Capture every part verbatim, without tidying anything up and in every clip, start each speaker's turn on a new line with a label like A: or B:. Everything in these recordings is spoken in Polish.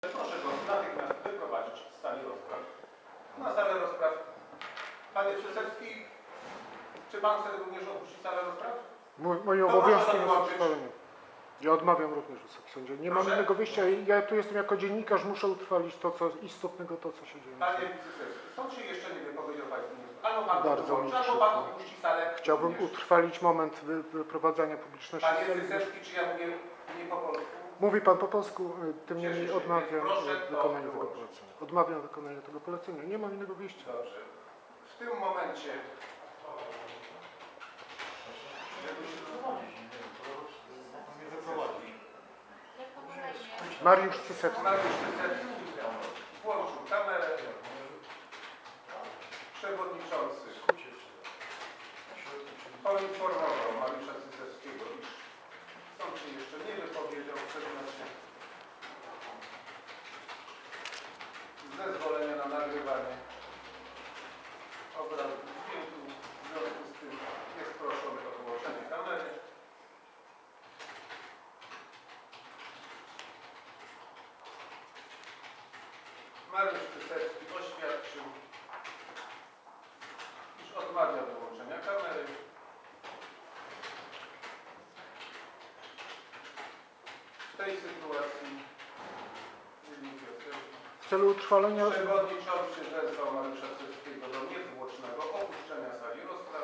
A: Proszę go natychmiast wyprowadzić z sali rozpraw. Na salę rozpraw. Panie Przysewski, czy pan chce również opuścić salę rozpraw?
B: Moje obowiązki jest utrwalenie. Ja odmawiam również, Wysoki Sądzie. Nie mam innego wyjścia. Ja tu jestem jako dziennikarz, muszę utrwalić to, co istotnego, to, co się dzieje.
A: Panie Przysewski, sąd się jeszcze nie wypowiedział Państwu. Albo pan
B: Bardzo mi
A: albo pan opuści salę.
B: Chciałbym również utrwalić moment wy, wyprowadzania publiczności.
A: Panie Przysewski, czy ja mówię nie po polsku?
B: Mówi pan po polsku, tym niemniej odmawiam
A: proszę
B: wykonania tego polecenia. Odmawiam wykonania tego polecenia. Nie mam innego wyjścia.
A: Dobrze. W tym momencie
B: Mariusz Cysewski.
A: Mariusz Cysewski włączył kamerę. Przewodniczący poinformował Mariusza Cysewskiego, iż sąd się jeszcze nie wypowiedział w przedmiocie zezwolenia na nagrywanie obrazu dźwięku. W związku z tym jest proszony o wyłączenie kamery. Mariusz Cysewski oświadczył, iż odmawia wyłączenia kamery. W tej sytuacji
B: W celu utrwalenia...
A: przewodniczący wezwał Mariusza Cysewskiego do niezwłocznego opuszczenia sali rozpraw.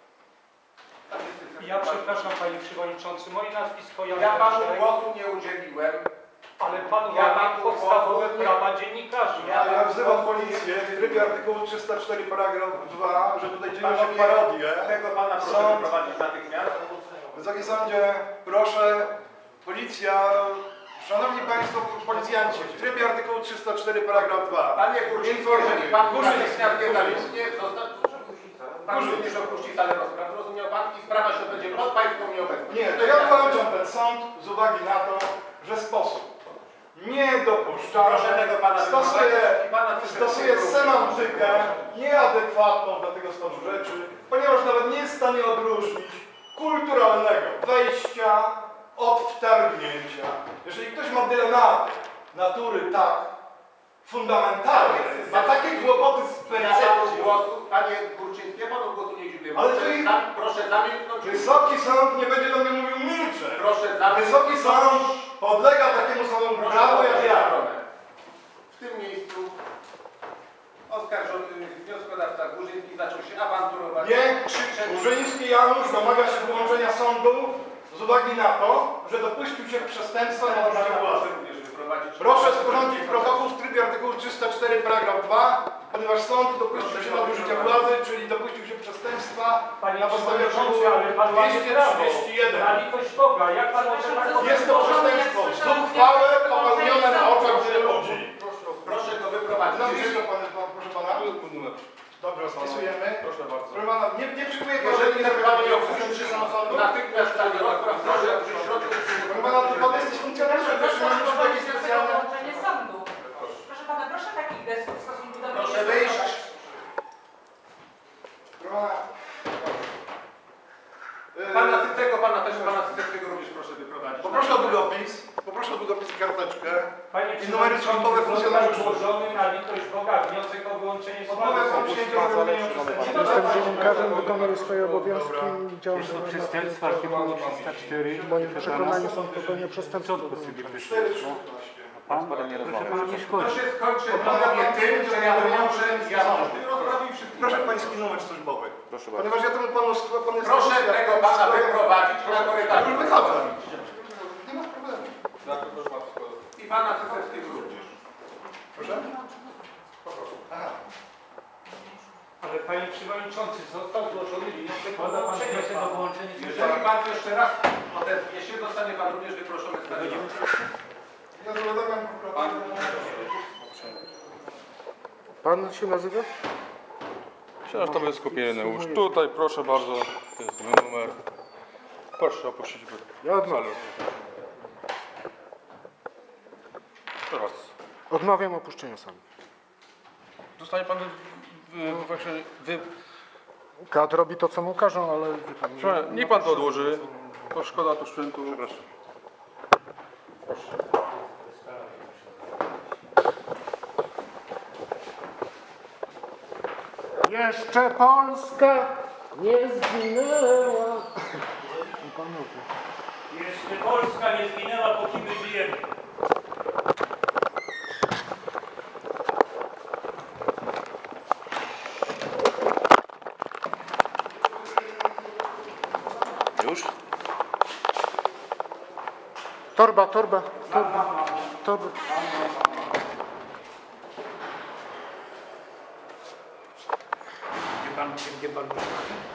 C: Ja przepraszam, panie przewodniczący, moje nazwisko Jan
A: Ja panu
C: Leszek,
A: głosu nie udzieliłem.
C: ale pan
A: ja
C: łamie
A: panu
C: podstawowe
A: głosu nie-
C: prawa dziennikarzy.
A: Ja-
D: Ja wzywam policję w trybie artykułu trzysta cztery paragraf dwa, że tutaj dzieją się
A: Panowie,
D: parodie.
A: Tego pana proszę
D: Sąd.
A: wyprowadzić natychmiast.
D: Wysoki sądzie, proszę, policja, szanowni państwo policjanci, w trybie artykułu trzysta cztery paragraf dwa.
A: Panie Kurczyński, jeżeli pan natychmiast nie zamiesznie, został... Pan
D: Kurczyński.
A: również opuści salę rozpraw, rozumiał pan? I sprawa się będzie pod pańską nieobecność.
D: Nie, to ja kończę ten sąd z uwagi na to, że sposób niedopuszczalny
A: Proszę tego pana
D: stosuje,
A: wyprowadzić i pana Cysewskiego
D: stosuje
A: również.
D: semantykę nieadekwatną do tego stanu rzeczy, ponieważ nawet nie jest w stanie odróżnić kulturalnego wejścia od wtargnięcia. Jeżeli ktoś ma dylematy natury tak fundamentalne, ma takie kłopoty z
A: Ja panu
D: percepcją,
A: głosu, panie Kurczyński, ja panu głosu nie udzieliłem.
D: Ale
A: Proszę,
D: to i-
A: zam- proszę zamilknąć.
D: Wysoki sąd nie będzie do mnie mówił milczeć.
A: Proszę zamilknąć.
D: Wysoki sąd podlega takiemu samemu
A: Proszę
D: prawu jak
A: opuścić
D: ja.
A: stronę. W tym miejscu oskarżony wnioskodawca Górzyński zaczął się awanturować.
D: Nie,
A: krzyczeć.
D: Górzyński Janusz domaga się wyłączenia sądu z uwagi na to, że dopuścił się przestępstwa na nadużycie władzy.
A: również wyprowadzić.
D: Proszę sporządzić protokół w trybie artykułu trzysta cztery paragraf dwa, ponieważ sąd dopuścił się nadużycia władzy, czyli dopuścił się przestępstwa
C: Panie
D: na podstawie
C: przewodniczący, ale
D: artykułu
C: pan łamie
D: dwieście
C: prawo.
D: trzydzieści jeden.
C: Na litość Boga, jak pan może tak powiedzieć?
D: Jest to przestępstwo zuchwałe, popełnione na oczach wielu ludzi.
A: Proszę go wyprowadzić.
D: Nazwisko pana, proszę pana? Dobrze, spisujemy.
A: Proszę bardzo.
D: Proszę pana, nie, nie przyjmuję pan
A: Jeżeli
D: żadnych
A: ten pan nie
D: zapytań
A: opuści
D: o samosądu.
A: natychmiast sali rozpraw, proszę w środku.
D: Proszę pana, to pan jesteś funkcjonariuszem, proszę pana, muszę takie specjalne...
E: Wyłączenie sądu. Proszę pana, proszę takich gestów w stosunku do mnie
A: Proszę
E: nie
A: wyjść.
E: stosować.
D: Proszę pana...
A: Pana
D: Yy,
A: Cycego, pana też, pana Cycego również proszę wyprowadzić.
D: Poproszę o długopis, poproszę o długopis i karteczkę.
C: Panie
D: I numery sądowe
C: przewodniczący,
D: funkcjonariuszy.
C: został złożony na litość Boga wniosek o wyłączenie
D: Odmowę
C: sądu.
D: o przyjęcie zawiadomienia przestępstwa.
B: Jestem dziennikarzem, wykonuję swoje obowiązki i działam
F: Jest to
B: na
F: przestępstwo artykułu trzysta cztery.
B: W moim przekonaniu są popełnienia przestępstwa.
D: cztery trzynaście.
F: Pan? Proszę pana nie
A: To
F: szkodzi.
A: się skończy panowie tym, że ja wyłączę jawność tej rozprawy i wszystkich.
D: Proszę pański numer służbowy.
F: Proszę
D: Ponieważ ja temu panu pan jest...
A: Proszę tego pana wyprowadzić na
D: Ja
A: korytarz.
D: już wychodzę. Nie ma problemu.
A: I pana Cysewskiego również.
D: Proszę? Aha.
C: Ale panie przewodniczący, został złożony wniosek o
F: Składa pan
C: wyłączenie
F: wniosek o
C: sądu.
F: wyłączenie
A: Jeżeli pan jeszcze raz odezwie się, zostanie pan również wyproszony z sali.
D: Ja zawiadamiam prokuratorę.
B: Pan się nazywa?
G: Książ to jest skupienie już tutaj, proszę bardzo, to jest mój numer. Proszę opuścić
B: Ja odmawiam.
G: Teraz.
B: Odmawiam opuszczenia sali.
G: Zostanie pan wy, wy, właśnie wy,
B: Kat robi to, co mu każą, ale... wie pan,
G: proszę, niech pan to odłoży, to szkoda tu sprzętu. Przepraszam.
B: Jeszcze Polska nie zginęła. Panowie.
C: Jeszcze Polska nie zginęła, póki my żyjemy.
G: Już?
B: Torba, torba, torba, torba.
C: Gdzie pan, gdzie pan?